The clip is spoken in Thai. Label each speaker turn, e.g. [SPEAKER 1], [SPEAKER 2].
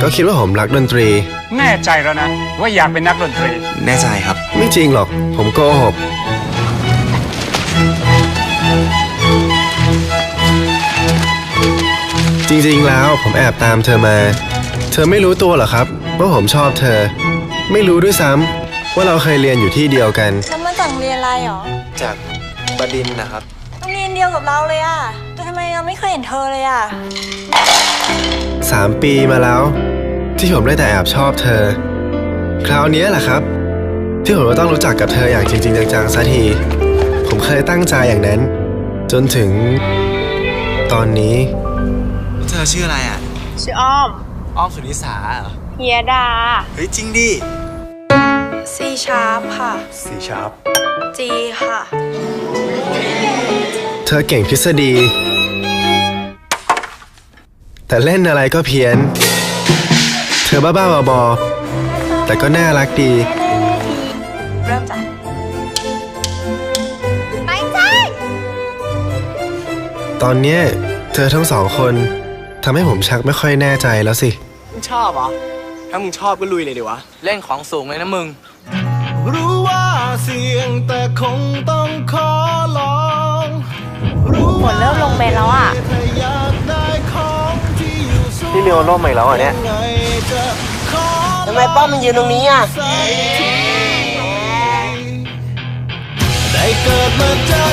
[SPEAKER 1] ก็คิดว่าผมรักดนตรี
[SPEAKER 2] แน่ใจแล้วนะว่าอยากเป็นนักดนตรี
[SPEAKER 3] แน่ใจครับ
[SPEAKER 1] ไม่จริงหรอกผมโกหกจริงๆแล้วผมแอบตามเธอมาเธอไม่รู้ตัวเหรอครับว่าผมชอบเธอไม่รู้ด้วยซ้ำว่าเราเคยเรียนอยู่ที่เดียวกัน
[SPEAKER 4] แล้วมาจากโรงเรียนอะไรหรอ
[SPEAKER 3] จากบดินทร์นะครับ
[SPEAKER 4] โรงเรียนเดียวกับเราเลยอะแต่ทำไมเราไม่เคยเห็นเธอเลยอะ
[SPEAKER 1] 3 ปีมาแล้วที่ผมได้แต่แอบชอบเธอคราวนี้แหละครับที่ผมต้องรู้จักกับเธออย่างจริงๆจังๆสักทีผมเคยตั้งใจอย่างนั้นจนถึงตอนนี้
[SPEAKER 3] เธอชื่ออะไรอ่ะ
[SPEAKER 4] ชื่ออ้อม
[SPEAKER 3] สุนิสาเหรอ
[SPEAKER 4] เฮียดา
[SPEAKER 3] เฮ้ยจริงดิ
[SPEAKER 4] C sharp ค่ะ
[SPEAKER 3] C sharp
[SPEAKER 4] G ค่ะ
[SPEAKER 1] เธอเก่งทฤษฎีแต่เล่นอะไรก็เพี้ยนเธอบ้าๆบอๆแต่ก็น่ารักดี
[SPEAKER 4] เริ่มจากไม่ใช่
[SPEAKER 1] ตอนเนี้ยเธอทั้ง2 คนทำให้ผมชักไม่ค่อยแน่ใจแล้วสิ
[SPEAKER 3] มึงชอบเหรอถ้ามึงชอบก็ลุยเลยดิวะเล่นของสูงเลยนะมึงรู้ว่าเสี่ยงแต่คงต้องขอลอง
[SPEAKER 4] ฝนเริ่มลงเมนแล้วอ่ะ
[SPEAKER 1] พี่เรียวร่มใหม่แล้วอ่ะเนี่ย
[SPEAKER 3] ทำไมป้อมมันยืนตรงนี้อ่ะ
[SPEAKER 1] ได้เกิดมาจาก